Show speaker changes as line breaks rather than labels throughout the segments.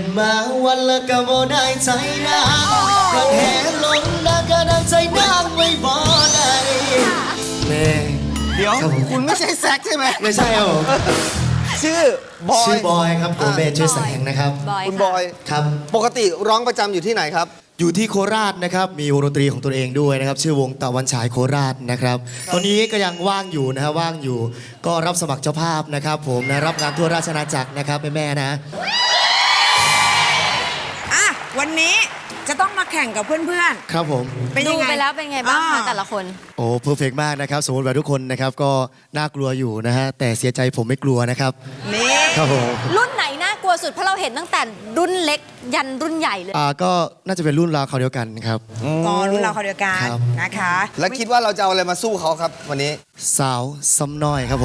มาวันละก็บ่ได้ใจนางรักแหงลงนางก็นางใจนางไม่บ่ได้แม่
เดี๋ยวคุณไม่ใช่แซกใช่ไหม
ไม่ใช่ครับผม
ชื่อบอย
ชื่อบอยครับผมเบสชื่อแสงนะครับ
คุณบอย
ครับ
ปกติร้องประจำอยู่ที่ไหนครับ
อยู่ที่โคราชนะครับมีวงดนตรีของตัวเองด้วยนะครับชื่อวงตะวันฉายโคราชนะครับตอนนี้ก็ยังว่างอยู่นะฮะว่างอยู่ก็รับสมัครเจ้าภาพนะครับผมนะรับงานทั่วราชอาณาจักรนะครับแม่ๆนะ
อ่ะวันนี้จะต้องมาแข่งกับเพื่อน
ครับผม
ๆ เป็น
ดู
ยังไง
ไปแล้วเป็นไงบ้างคะแต่ละคน
โอ้เพอร์เฟกมากนะครับสมมติว่าทุกคนนะครับก็น่ากลัวอยู่นะฮะแต่เสียใจผมไม่กลัวนะครับ
นี่
ครับผม
รุ่นไหนน่ากลัวสุดเพราะเราเห็นตั้งแต่รุ่นเล็กยันรุ่นใหญ่เลย
ก็น่าจะเป็นรุ่นราวเขาวเดียวกันครับ
ก็รุ่นเราเขาเดียวกัน
ครับ
นะคะ
แล้วคิดว่าเราจะเอาอะไรมาสู้เขาครับวันนี้
สาวซ้ำน้อยครับผม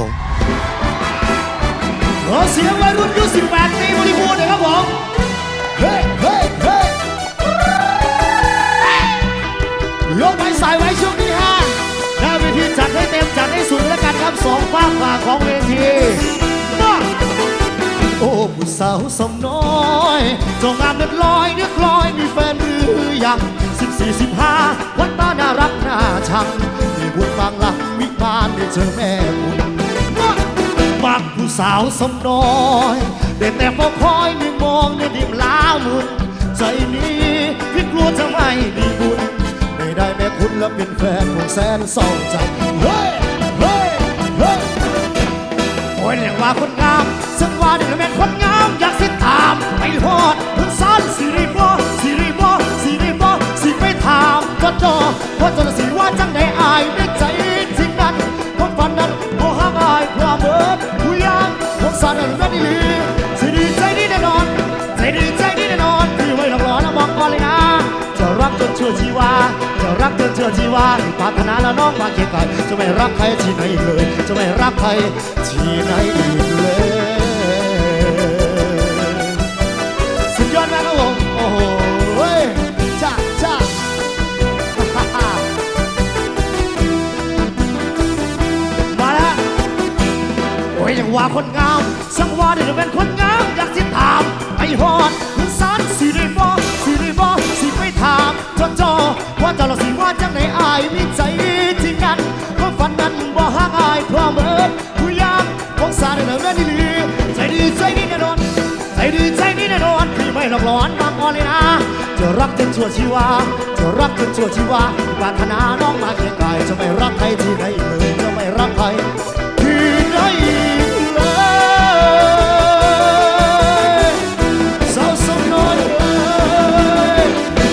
ขอเสียงวัยรุ่นยุค18 ปีบริบูรณ์หน่อยครับผม เฮ้ยเฮ้ยเฮ้ยยกไม้สายไว้ช่วงที่5หน้าเวทีจัดให้เต็มจัดให้สุดแล้วกันครับสองฝากฝ่าของเวทีมาโอ้ผู้สาวซ้ำน้อยจงงามเลือดลอยเนื้อคลอยมีแฟนหรือยัง14-15วันตาน่ารักน่าชังมีบุญบางหลักวิมานได้เจอแม่บุญมักผู้สาวสมน้อยได้แต่เฝ้าคอยไม่มองในดิมลามุนใจนี้พี่กลัวจะไม่มีบุญไม่ได้แม่คุณและเป็นแฟนของแสนเศร้าใจเฮ้ยเฮ้ยเฮ้ยโอ้ยเรียกว่าคนงามฉันว่าเด็กแม่คนงามอยากสิตามไปฮอดถึงสารสิริบสิไปถามจอเพราะจนสิว่าจังได้อายได้ใจทิ้งนั้นความฝันนั้นบ่ห่างอายความเบิดผู้ยามผมสารนั้นดีสิดีใจดีแน่นอนใจดีใจดีแน่นอนที่ไว้หลอกหลอนแล้วมองก่อนเลยนะจะรักจนเชื่อชีวาจะรักจนเชื่อชีวาปรารถนาแล้วน้องมาเคียงกายจะไม่รักใครที่ไหนเลยจะไม่รักใครที่ไหนอีกเลยสุดยอดมากครับผมโอ้โหจ้าจ้ามาแล้วโอ้ยยังว่าคนงามสังว่าเดี๋ยวเป็นคนงามอยากสิถามไปฮอดคุณสารสิริบสิไปถามจอว่าเจ้าละสิว่าจังไหนอายมีใจที่นั้นความฝันนั้นบ่ห่างอายเพราะเบิดผู้ยามของสารเดินดีใจดีใจดีแน่นอนใจดีใจดีแน่นอนพี่ไม่หลอกหลอนบางอ่อนเลยนะจะรักจนชั่วชีวาจะรักจนชั่วชีวาปรารถนาน้องมาเคียงกายจะไม่รักใครที่ไหนเลยจะไม่รักใครที่ไหนเลยสาวสมน้อยเลย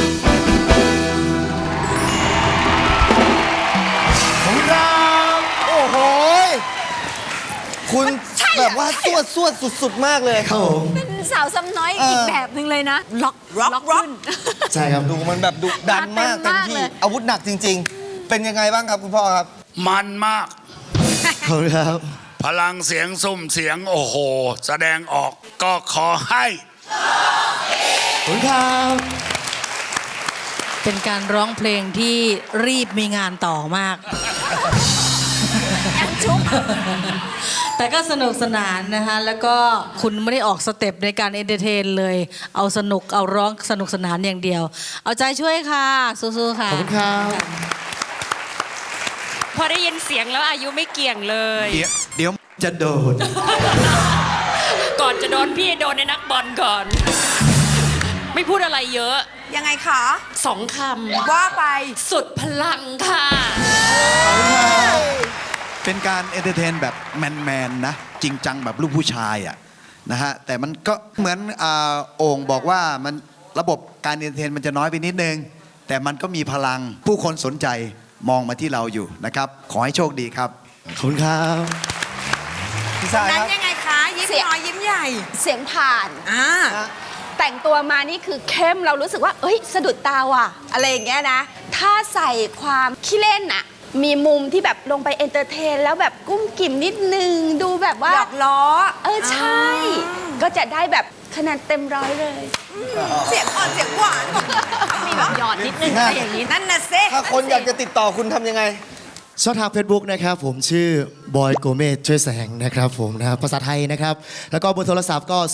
ของเรา
โอ้โหคุณแบบว่าสวดสุดๆมากเลย
ครับผม
เป็นสาวซ้ำน้อยอีกแบบหนึ่งเลยนะ ล็อก
ร็อก
ใช่ครับ
ดูมันแบบดุดันมาก
เต็
เต็
ม
ม
มาก
ที่
เลย
อาวุธหนักจริง ๆ เป็นยังไงบ้างครับคุณพ่อครับ
มันมาก
ขอบคุณครับ
พลังเสียงสุ่มเสียงโอ้โห แสดงออกก็ขอให้
ขอบคุณครับ
เป็นการร้องเพลงที่รีบมีงานต่อมาก แต่ก็สนุกสนานนะคะแล้วก็คุณไม่ได้ออกสเต็ปในการเอนเตอร์เทนเลย เอาสนุกเอาร้องสนุกสนานอย่างเดียว เอาใจช่วยค่ะสู้ๆค่ะ
ขอบคุณครับ
พอได้ยินเสียงแล้วอายุไม่เกี่ยงเลย
เดี๋ยวจะโดด
ก่อนจะโดนพี่โดนในนักบอลก่อน ไม่พูดอะไรเยอะ
ยังไงคะ
2 คำ
ว่าไป
สุดพลังค่ะ
เป็นการเอนเตอร์เทนแบบแมนๆนะจริงจังแบบลูกผู้ชายอ่ะนะฮะแต่มันก็เหมือนโอ่งบอกว่ามันระบบการเอนเตอร์เทนมันจะน้อยไปนิดนึงแต่มันก็มีพลังผู้คนสนใจมองมาที่เราอยู่นะครับขอให้โชคดีครับ
ขอบคุณครับ
พี่ชาย
นั้
คน รับ
ยังไงคะ ยิ้มน้อยยิ้มใหญ่
เสียงผ่าน
อ่า
แต่งตัวมานี่คือเข้มเรารู้สึกว่าเอ้ยสะดุดตาว่ะอะไรอย่างเงี้ยนะ ถ้าใส่ความขี้เล่นอะมีมุมที่แบบลงไปเอนเตอร์เทนแล้วแบบกุ้มกิ่มนิดนึงดูแบบว่า
หยอกล้อ
ใช่ ก็จะได้แบบคะแนนเต็มร้อยเลย
เสียงอ่อนเสียงหวาน
มีแบบหยอดนิดนึงอะไรอย่างนี้
นั่นน่ะสิ
ถ้าคนอยากจะติดต่อคุณทำยังไง
ช่องทาง Facebook นะครับผมชื่อบอยโกเมสช่วยแสงนะครับผมนะครับภาษาไทยนะครับแล้วก็เบอร์โทรศัพท์ก็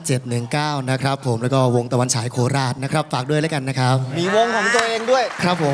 0621865719 นะครับผมแล้วก็วงตะวันฉายโคราชนะครับฝากด้วยแล้วกันนะครับ
มีวงของตัวเองด้วย
ครับผม